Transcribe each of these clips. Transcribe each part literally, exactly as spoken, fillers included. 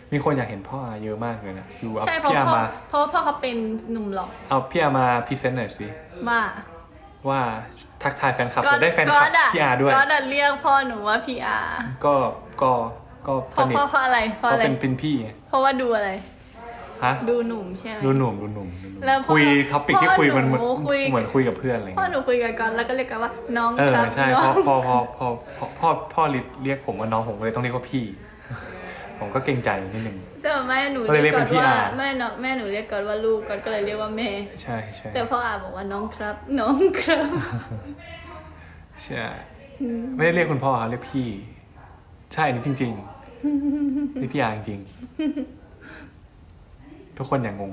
มีคนอยากเห็นพ่ออาเยอะมากเลยนะดูเอาใช่เพราะพี่อาพ่อมาเพราะว่าพ่อเขาเป็นหนุ่มหล่อเอาพี่อามาพรีเซนต์หน่อยสิว่าว่าทักทายแฟนคลับจะได้แฟนคลับพี่อาด้วยก็ดันเรียกพ่อหนูว่าพี่อาก็ก็ก็เพสราะนิทเพราะเพราะอะไรเพราะก็อะไรเป็นเป็นพี่ไงเพราะว่าดูอะไรฮะดูหนุ่มใช่ไหมดูหนุ่มดูหนุ่มดูหนุ่มแล้วพ่อคุยท็อปิกที่คุยมันเหมือนพ่อหนูคุยเหมือนคุยกับเพื่อนอะไรพ่อเงี้ยหนูคุยกันก่อนแล้วก็เรียกกันว่าน้องเออครับใช่น้พ่ออง พ่อพ่อพ่อพ่อพ่อพ่อเรียกผมว่าน้องผมเลยต้องเรียกว่าพี่ ผมก็เกรงใจนิดนึงเจ้าแม่หนูก็เลยเรียกก่อนเรียกเป็นพี่ว่าอาแม่น้องแม่หนูเรียกก่อนว่าลูกก่อนก็เลยเรียกว่าแม่ใช่ใช่แต่พ่ออาบอกว่าน้องครับ น้องครับใช่ไม่ได้เรียกคุณพ่อครับเรียกพี่ ใช่อันนี่จริงๆนี่พี่อาจริงๆทุกคนอย่างงง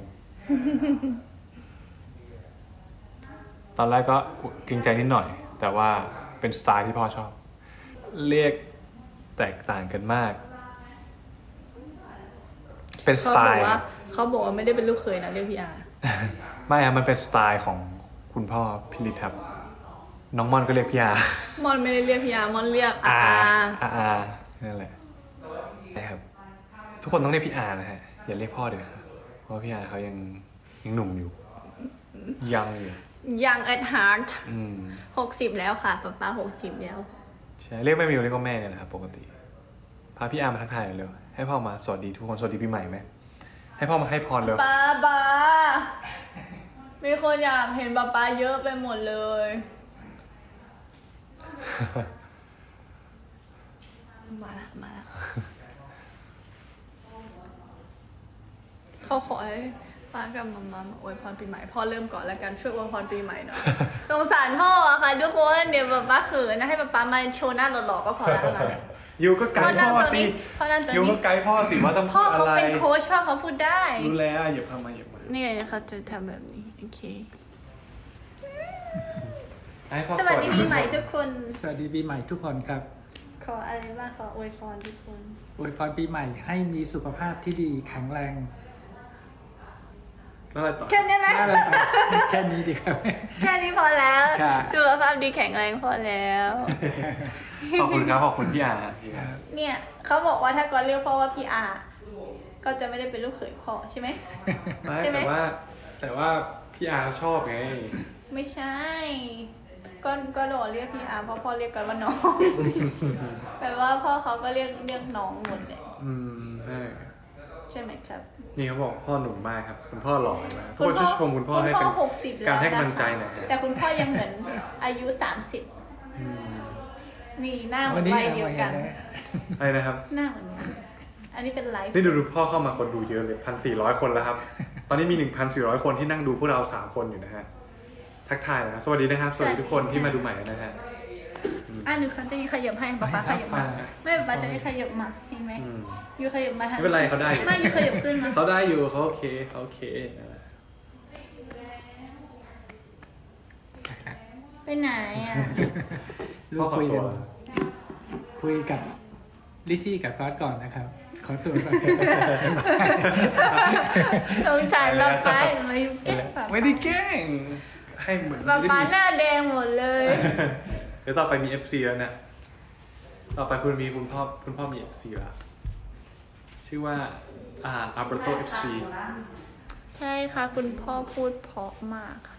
ตอนแรกก็เกรงใจนิดหน่อย แต่ว่าเป็นสไตล์ที่พ่อชอบ เรียกแตกต่างกันมาก เป็นสเขาไตบอกล์ว่าเขาบอกว่าไม่ได้เป็นลูกเขยนะเรียกพี่อาไม่ครับมันเป็นสไตล์ของคุณพ่อพิริทับน้องม่อนก็เรียกพี่อามอนไม่ได้เรียกพี่อามอนเรียกอาอาอานั่นแหละนะครับทุกคนต้องเรียกพี่อานะฮะอย่าเรียกพ่อเดี๋ยวครับเพราะพี่อาเขายังยังหนุ่มอยู่ยังอยู่ยังแอดฮาร์ดอืมหกสิบแล้วค่ะป๊าป๊าหกสิบแล้วใช่เรียกแม่มิวเรียกว่าแม่เนี่ยแหละครับปกติพาพี่อามาทักทายหน่อยเร็วให้พ่อมาสวัสดีทุกคนสวัสดีปีใหม่ไหมให้พ่อมาให้พรเร็วป๊าป๊ามีคนอยากเห็นป๊าป๊าเยอะไปหมดเลย มาละมาละเขาขอให้ป้ากับมามามาอวยพรปีใหม่พ่อเริ่มก่อนแล้วกันช่วยอวยพรปีใหม่หน่อย สงสารพ่ออะค่ะทุกคนเดี๋ยวป๊าป๊าเขินนะให้ป๊าป๊ามาโชว์หน้าหล่อๆก็พอแล้วนะยูก็ไกด์พ่อสิพ่อนั่งตรงยูก็นี้ไกด์พ่อสิว่าต้องพ่พูอดอะเขาไรเป็นโค้ชพ่อเขาพูดได้รู้แล้วอย่าพามาอย่ามานี่ไงเขาจะทำแบบนี้โอเคให้พ่อสสวัสวัสดีดีปีใหม่ทุกคนสวัสดีปีใหม่ทุกคนครับขออะไรบ้างขออวยพรทุกคนอวยพรปีใหม่ให้มีสุขภาพที่ดีแข็งแรงแล้วอะไรต่อแค่นี้นะน่ารักแค่นี้ดีครับแค่นี้พอแล้วค่ะสุขภาพดีแข็งแรงพอแล้วขอบคุณครับขอบคุณพี่อาพี่อาเนี่ยเขาบอกว่าถ้าก่อนเรียกพ่อว่าพี่อา ก็จะไม่ได้เป็นลูกเขยพ่อใช่ไหมไม่ใช่ไหมแต่ว่า แต่ว่าพี่อาชอบไงไม่ใช่ ก็ก็โดดเรียกพี่อาเพราะพ่อเรียกกันว่าน้อง แปลว่าพ่อเขาก็เรียกเรียกน้องหมดเลยอืมใช่ใช่ไหมครับนี่เขาบอกพ่อหนุ่มมากครับ คุณพ่อหล่อมากทุกคนช่วยชมคุณพ่อให้คุเป็ณนพ่อหกสิบแล้วการให้กำลังนะคะใจหน่อยฮะแต่คุณพ่อยังเหมือนอายุสามสิบอืมนี่หน้าเหมืวัอน นนี้วัยเดียวกันอะไรนะครับหน้าเหมือนกันอันนี้เป็นไลฟ์นี่ดูดูพ่อเข้ามาคนดูเยอะเลยพันสี่ร้อยคนแล้วครับ ตอนนี้มีหนึ่งพันสี่ร้อยคนที่นั่งดูพวกเราสามคนอยู่นะฮะ ทักทายนะสวัสดีนะครับ สวัสดีทุกคนที่มาดูใหม่นะฮะอ่ะหนูคันจะขยับให้ป๊าป๊าขยับมา ไม่ป๊าป๊าจะได้ขยับมาเห็นไหมอืมยูขยับมาทางไม่เป็นไรเขาได้อยู่ไม่ยูขยับขึ้นมาเขาได้อยู่เขาโอเคเขาโอเคนั่นแหละไปไหนอ่ะลูพ่อก ขอคุยตักัวนคุยกับลิชี่กับก๊อตก่อนนะครับ ขอตัวก่อนสงสารป๊าป๊ามายูแกล้งป๊าไม่ได้แกล้งให้เหมือนป๊าไม่ป๊าได้หน้าแดงหมดเลยเดี๋ยวต่อไปมี เอฟ ซี แล้วนะต่อไปคุณมีคุณพ่อคุณพ่อมี เอฟ ซี แล้วชื่อว่าอ่าอัลเบร์โต เอฟ ซีใช่ค่ะคุณพ่อพูดเพราะมากค่ะ